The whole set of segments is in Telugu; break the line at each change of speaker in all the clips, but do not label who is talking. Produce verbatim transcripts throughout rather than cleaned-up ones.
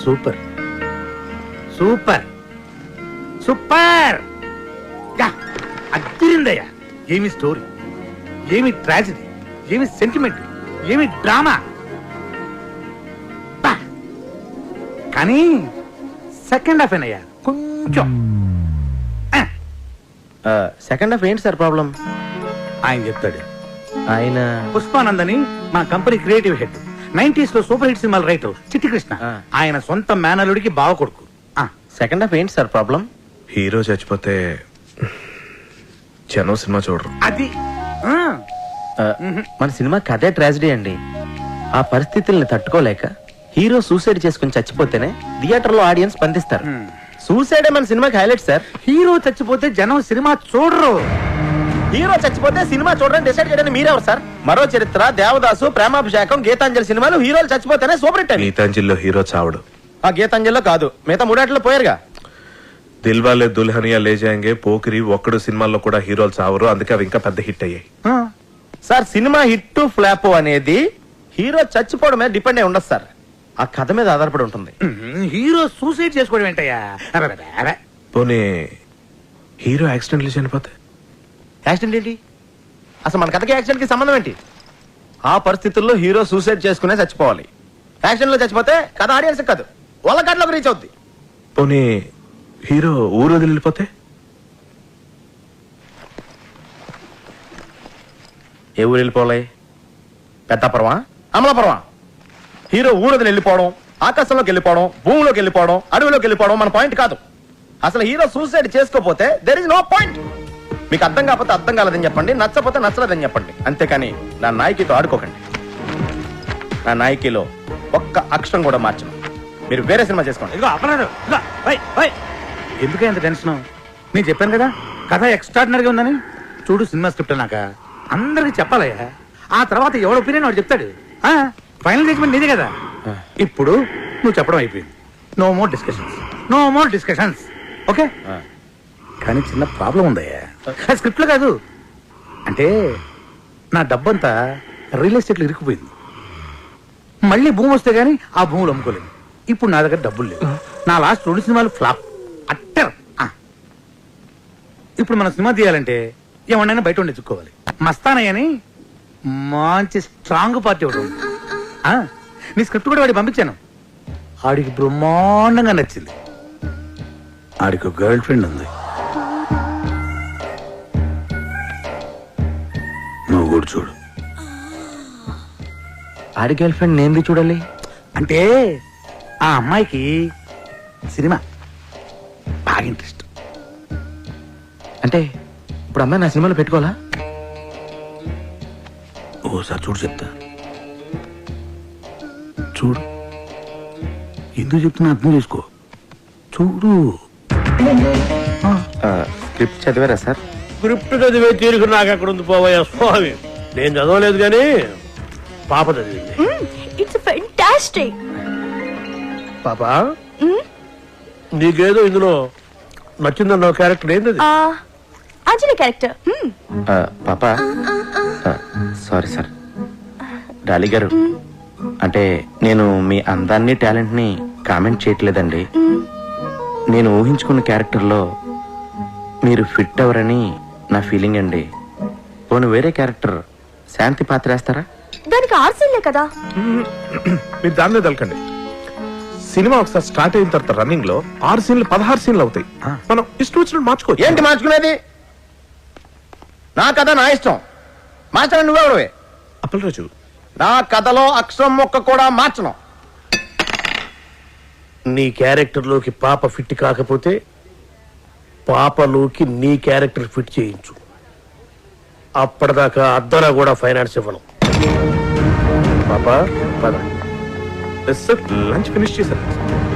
Super super super అదిరిందయ్యా. ఏమి స్టోరీ, ఏమి ట్రాజడీ, ఏమి సెంటిమెంట్, ఏమి డ్రామా. కానీ సెకండ్ హాఫ్ ఏనయ్యా కొంచెం.
సెకండ్ హాఫ్ ఏంటి సార్ ప్రాబ్లం?
ఆయన చెప్తాడు.
ఆయన
పుష్పానందని మా కంపెనీ క్రియేటివ్ హెడ్, నైన్టీస్ లో సూపర్ హిట్ సినిమాలు రైటర్ చిట్టి కృష్ణ. ఆయన సొంత మేనలుడికి బావ కొడుకు.
సెకండ్ హాఫ్ ఏంటి సార్ ప్రాబ్లం?
హీరో చచ్చిపోతే జనం సినిమా చూడరు.
అది
మన సినిమా కథే ట్రాజడీ అండి. ఆ పరిస్థితుల్ని తట్టుకోలేక హీరో సూసైడ్ చేసుకుని చచ్చిపోతేనే థియేటర్ లో ఆడియన్స్ స్పందిస్తారు. సూసైడే మన సినిమాకి హైలైట్ సార్.
హీరో చచ్చిపోతే జనం సినిమా చూడరు.
హీరో చచ్చిపోతే సినిమా చూడడానికి డిసైడ్ చేయడానికి మీరెవరు సార్? మరో చరిత్ర, దేవదాసు, ప్రేమాభిషేకం, గీతాంజలి సినిమాలు హీరోలు చచ్చిపోతేనే సూపర్ హిట్.
గీతాంజలిలో హీరో చావడు.
ఆ గీతాంజలిలో కాదు, మిగతా మూడాట్లో పోయారుగా.
దిల్వాలే దుల్హనియా లే జాయేంగే, పోకిరి, ఒక్కడు సినిమాల్లో కూడా హీరోలు చావరు. అందుకే అవి ఇంకా పెద్ద హిట్ అయ్యాయి.
సార్ సినిమా హిట్ ఫ్లాప్ అనేది హీరో చచ్చిపోవడం మీద డిపెండ్ అయి ఉండదు సార్, ఆ కథ మీద ఆధారపడి ఉంటుంది.
హీరో సూసైడ్ చేసుకోవడం ఏంటయ్యా?
పోనీ హీరో యాక్సిడెంట్లు చనిపోతే?
యాక్సిడెంట్ ఏంటి అసలు? మన కథకి యాక్సిడెంట్ కి సంబంధం ఏంటి? ఆ పరిస్థితుల్లో హీరో సూసైడ్ చేసుకునే చచ్చిపోవాలి. యాక్సిడెంట్ లో చచ్చిపోతే కథ ఆడియన్స్ కాదు, వాళ్ళ కథలోకి రీచ్ అవుద్ది.
పోనీ హీరో ఊరు వదిలి వెళ్ళిపోతే?
ఏ ఊరు వెళ్ళిపోవాలి? పెద్దాపురమా, అమలాపురమా? హీరో ఊరు వదిలి వెళ్ళిపోవడం, ఆకాశంలోకి వెళ్ళిపోవడం, భూమిలోకి వెళ్ళిపోవడం, అడవిలోకి వెళ్ళిపోవడం మన పాయింట్ కాదు. అసలు హీరో సూసైడ్ చేసుకోపోతే దెర్ ఇస్ నో పాయింట్. మీకు అర్థం కాకపోతే అర్థం కాలేదని చెప్పండి, నచ్చపోతే నచ్చలేదని చెప్పండి. అంతేకాని నా నాయకితో ఆడుకోకండి. నా నాయకిలో ఒక్క అక్షరం కూడా మార్చను. మీరు వేరే సినిమా చేసుకోండి.
ఇదిగో అపరాధం. ఇదిగో, ఓయ్, ఓయ్. ఎందుకే అంత టెన్షన్? నేను చెప్పాను కదా కథ ఎక్స్ట్రాడినరీగా ఉందని. చూడు సినిమా స్క్రిప్ట్ నాక అందరికి చెప్పాలయ్యా. ఆ తర్వాత ఎవడ ఒపీనియన్ వాడు చెప్తాడు. ఫైనల్ జడ్జ్మెంట్ నీదే కదా. ఇప్పుడు నువ్వు చెప్పడం అయిపోయింది. No more discussions, no more discussions. Okay? కానీ చిన్న ప్రాబ్లం ఉందయ్యా. స్క్రిప్ట్ లో కాదు, అంటే నా డబ్బంతా రియల్ ఎస్టేట్లో ఇరుక్కుపోయింది. మళ్ళీ భూమి వస్తే గానీ ఆ భూములు అమ్ముకోలేదు. ఇప్పుడు నా దగ్గర డబ్బులు లేవు. నా లాస్ట్ రెండు సినిమాలు ఫ్లాప్ అట్టర్. ఇప్పుడు మన సినిమా తీయాలంటే ఏమన్నా బయట ఉండి ఎత్తుక్కోవాలి. మస్తానయ్యని మంచి స్ట్రాంగ్ పార్టీ ఒకటి ఉంది. నీ స్క్రిప్ట్ కూడా వాడికి పంపించాను. ఆడికి బ్రహ్మాండంగా నచ్చింది. ఆడికి గర్ల్ ఫ్రెండ్ ఉంది. నువ్వు కూడా చూడు.
ఆడి గర్ల్ ఫ్రెండ్ నేను చూడాలి
అంటే ఆ అమ్మాయికి సినిమా బాగా ఇంట్రెస్ట్.
అంటే ఇప్పుడు అమ్మాయి నా సినిమాలో పెట్టుకోవాలా?
ఓసారి చూడు చెప్తా. చూడు, ఎందుకు చెప్తున్నా అర్థం చేసుకో. చూడు.
స్క్రిప్ట్ చదివారా సార్?
స్క్రిప్ట్ చదివే తీరుకు నాకు ఎక్కడ ఉంది పోవయ్యా స్వామి. నేను చదవలేదు కానీ పాప చదివింది.
It's fantastic.
పాప నీకేదో ఇందులో నచ్చిందన్న క్యారెక్టర్ ఏంది?
అంజలి క్యారెక్టర్.
పాప సారీ సార్. డాలి గారు, అంటే నేను మీ అందాన్ని టాలెంట్ ని కామెంట్ చేయట్లేదండి. నేను ఊహించుకున్న క్యారెక్టర్లో మీరు ఫిట్ అవరని నా ఫీలింగ్ అండి. పోను వేరే క్యారెక్టర్ శాంతి పాత్ర వేస్తారా?
దానికి ఆరు సీన్లే కదా.
మీరు దానిలో తలకండి. సినిమా ఒకసారి స్టార్ట్ అయిన తర్వాత రన్నింగ్ లో ఆరు సీన్లు పదహారు సీన్లు అవుతాయి. మనం ఇష్టం వచ్చినట్టు మార్చుకో.
ఏంటి మార్చుకునేది? నా కథ నా ఇష్టం. మార్చడం నువ్వెవడవే?
అప్పలరాజు,
నా కథలో అక్షరం మొక్క కూడా మార్చను.
నీ క్యారెక్టర్ లోకి పాప ఫిట్ కాకపోతే పాపలోకి నీ క్యారెక్టర్ ఫిట్ చేయించు. అప్పటిదాకా అద్దరా కూడా ఫైనాన్స్ ఇవ్వను. పాప పద.
లంచ్ ఫినిష్ చేశాను.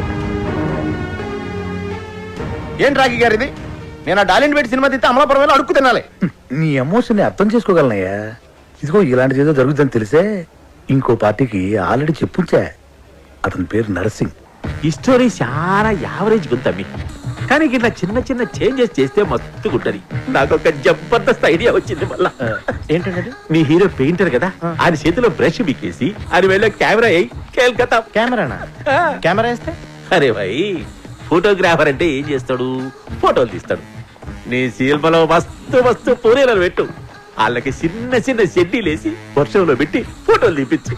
ఏంటి రాఖీ గారు ఇది? నేను ఆ డాలిన్ పెట్టి సినిమా తీస్తే అమలాపురం వెళ్ళి అడుక్కు తినాలి.
నీ ఎమోషన్ ని అర్థం చేసుకోగలనయ్యా. ఇదిగో ఇలాంటిది ఏదో జరుగుతుందని తెలిసే ఇంకో పార్టీకి ఆల్రెడీ చెప్పుంచా. అతని పేరు నరసింగ్.
ఈ స్టోరీ చాలా యావరేజ్ గుంతమ్మి, కానీ ఇట్లా చిన్న చిన్న చేంజెస్ చేస్తే మస్తు గుంటది. నాకు ఒక జబర్దస్త్ ఐడియా వచ్చింది. మళ్ళా
ఏంటంటే
మీ హీరో పెయింటర్ కదా, ఆయన చేతిలో బ్రష్ బిక్కేసి ఆయన వెళ్ళే కెమెరా అయ్యి కేల్కతా.
కెమెరానా? కెమెరా వేస్తే
అరే భాయ్, ఫోటోగ్రాఫర్ అంటే ఏం చేస్తాడు? ఫోటోలు తీస్తాడు. నీ సినిమాలో మస్తు మస్తు పూరేలను పెట్టు, వాళ్ళకి చిన్న చిన్న షెడ్డీలేసి వర్షంలో పెట్టి ఫోటోలు తీపించు.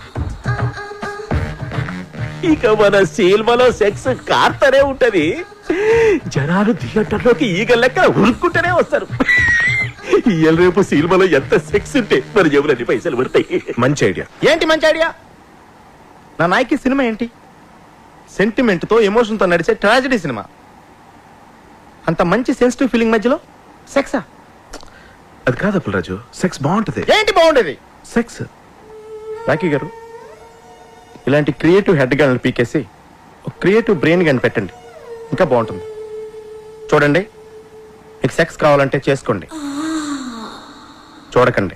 ఇక మన సినిమాలో సెక్స్ కార్తనే ఉంటది. జనాలు థియేటర్లోకి ఈగ లెక్క ఉరుక్కుంటూనే వస్తారు. ఇవాళ రేపు సినిమాలో ఎంత సెక్స్ ఉంటే మరి ఎవరన్ని పైసలు పడతాయి.
మంచి ఐడియా.
ఏంటి మంచి ఐడియా? నా నాయకి సినిమా ఏంటి? సెంటిమెంట్ తో ఎమోషన్ తో నడిచే ట్రాజడీ సినిమా. అంత మంచి సెన్సిటివ్ ఫీలింగ్ మధ్యలో సెక్సా?
అది కాదు అప్పులరాజు, సెక్స్ బాగుంటది.
ఏంటి బాగుండేది?
సెక్స్.
రాకీ గారు, ఇలాంటి క్రియేటివ్ హెడ్ గన్లు పీకేసి ఒక క్రియేటివ్ బ్రెయిన్ గన్ పెట్టండి, ఇంకా బాగుంటుంది. చూడండి, మీకు సెక్స్ కావాలంటే చేసుకోండి, చూడకండి.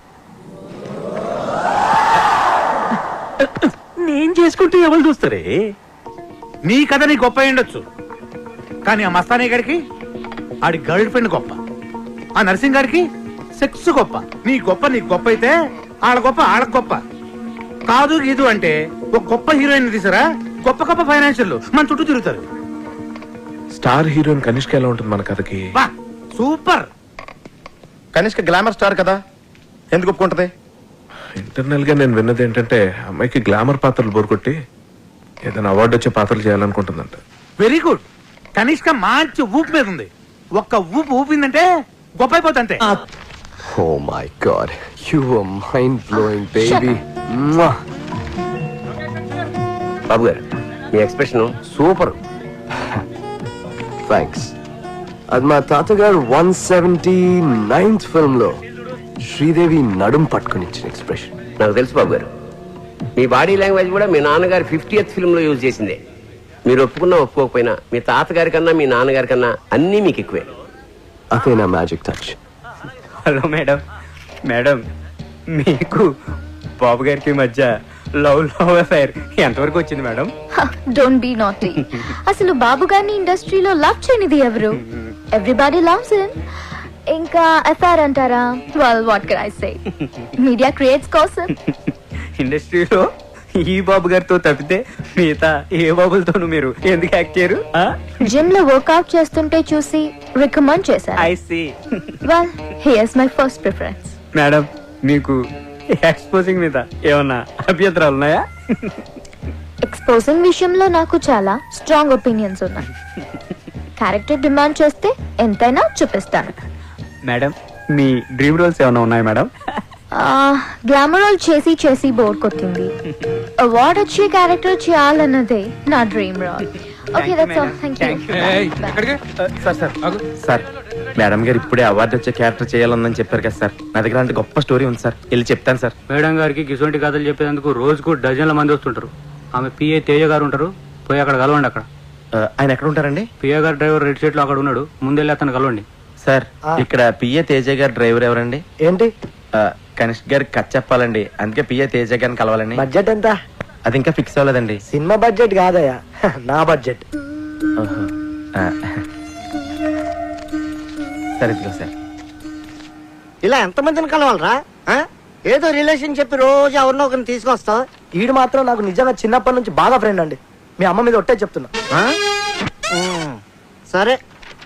నేను చేసుకుంటే ఎవరు చూస్తారే?
నీ కథ నీ గొప్ప అయి ఉండొచ్చు, కానీ ఆ మస్తానీ గారికి ఆడి గర్ల్ ఫ్రెండ్ గొప్ప, ఆ నర్సింగ్ గారికి సెక్స్ గొప్ప. నీ గొప్ప నీకు గొప్ప అయితే ఆడ గొప్ప ఆడకు గొప్ప. కాదు గీదు అంటే ఒక గొప్ప హీరోయిన్ తీసారా, గొప్ప గొప్ప ఫైనాన్షియల్ మన చుట్టూ తిరుగుతారు.
స్టార్ హీరోయిన్ కనిష్క ఎలా ఉంటుంది మన కథకి?
వా సూపర్.
కనిష్క గ్లామర్ స్టార్ కదా, ఎందుకు ఒప్పుకుంటది?
ఇంటర్నల్ గా నేను విన్నది ఏంటంటే అమ్మాయికి గ్లామర్ పాత్రలు బోరుకొట్టి ఏదైనా అవార్డు వచ్చే పాత్రలు చేయాలనుకుంటుందంట.
Very good. కనిష్క మంచి ఊపు మీద ఉంది. ఒక్క ఊపు ఊపిందంటే గొప్ప అయిపోతుంటే.
Oh my god, you were mind blowing, baby. Mwah.
బాబు గారు, మీ ఎక్స్ప్రెషన్ సూపర్.
థ్యాంక్స్. అది మా తాతగారు వన్ సెవెంటీ నైన్త్ ఫిల్మ్ లో శ్రీదేవి నడుం పట్టుకుని ఇచ్చిన ఎక్స్ప్రెషన్.
నాకు తెలుసు బాబు గారు, మీ బాడీ లాంగ్వేజ్ కూడా మీ నాన్నగారి ఫిఫ్టీయత్ ఫిల్మ్ లో యూజ్ చేసిందే. మీరు ఒప్పుకున్నా ఒప్పుకోకపోయినా మీ తాతగారి కన్నా మీ నాన్నగారి కన్నా అన్నీ మీకు ఎక్కువే.
అదే నా magic touch.
Hello madam. Madam, మీకు బాబు గారికి మధ్య లవ్ లవ్ అఫైర్ ఎంతవరకు వచ్చింది మేడం?
Don't be naughty. అసలు బాబు గారిని ఇండస్ట్రీలో లవ్ చేయనిది ఎవరు? Everybody loves him. ఇంకా ఎఫ్ఐఆర్ అంటారా? Well what can I say, media creates కోసం.
ఇండస్ట్రీలో ఈ బాబు గారితో తప్పితే మిగతా ఏ బాబులతోనూ మీరు ఎందుకు యాక్ట్ చేయరు?
జిమ్ లో వర్కౌట్ చేస్తుంటే చూసి రికమెండ్ చేశారు.
I see.
Well here's my first preference.
Madam, మీకు ఎక్స్పోజింగ్ మీద ఏమన్నా అభ్యంతరాలు ఉన్నాయా?
ఎక్స్పోజింగ్ విషయంలో నాకు చాలా స్ట్రాంగ్ ఒపీనియన్స్ ఉన్నాయి. క్యారెక్టర్ డిమాండ్ చేస్తే ఎంతైనా చూపిస్తాను.
మేడం, మీ డ్రీమ్ రోల్స్ ఏమైనా ఉన్నాయా మేడం?
గ్లామర్ రోల్ చేసి చేసి బోర్ కొట్టింది. అవార్డ్ వచ్చే క్యారెక్టర్ చేయాలన్నదే నా dream role. Okay, that's all. Thank you.
Sir sir sir madam గారు ఇప్పుడే అవార్డు వచ్చే క్యారెక్టర్ చేయాలని చెప్పారు కదా సార్. నా దగ్గర అంటే గొప్ప స్టోరీ ఉంది సార్, వెళ్ళి చెప్తాను సార్.
మేడం గారికి గిసొంటి కథలు చెప్పేందుకు రోజుకు డజన్ల మంది వస్తుంటారు. ఆమె పిఏ తేజ గారు ఉంటారు, పోయి అక్కడ కలవండి. అక్కడ
ఆయన ఎక్కడ ఉంటారండి?
పిఏ గారు డ్రైవర్ రెడ్ షీట్ లో అక్కడ ఉన్నాడు, ముందెళ్ళి అతను కలవండి.
సార్, ఇక్కడ పిఏ తేజ గారు డ్రైవర్ ఎవరండి?
ఏంటి?
కనిష్క్ గారికి కథ చెప్పాలండి, అందుకే పిఏ తేజ గారిని కలవాలండి.
బడ్జెట్ ఎంత?
అది ఇంకా ఫిక్స్ అవ్వలేదండి.
సినిమా బడ్జెట్ కాదయ్యా, నా బడ్జెట్.
సరే ఇదిగో సార్.
ఇలా ఎంతమందిని కలవాలరా? ఏదో రిలేషన్ చెప్పి రోజు ఎవరినో ఒకరిని తీసుకొస్తావు.
ఈడు మాత్రం నాకు నిజంగా చిన్నప్పటి నుంచి బాగా ఫ్రెండ్ అండి. మీ అమ్మ మీద ఒట్టే చెప్తున్నా.
సరే,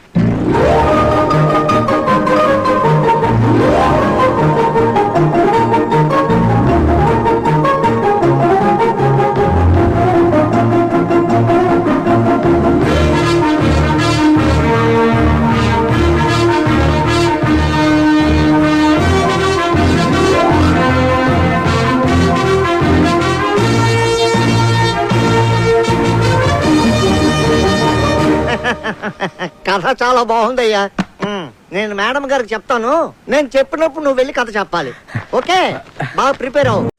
కథ చాలా బాగుందయ్యా. నేను మేడం గారికి చెప్తాను. నేను చెప్పినప్పుడు నువ్వు వెళ్ళి కథ చెప్పాలి. ఓకే, బాగా ప్రిపేర్ అవ్వు.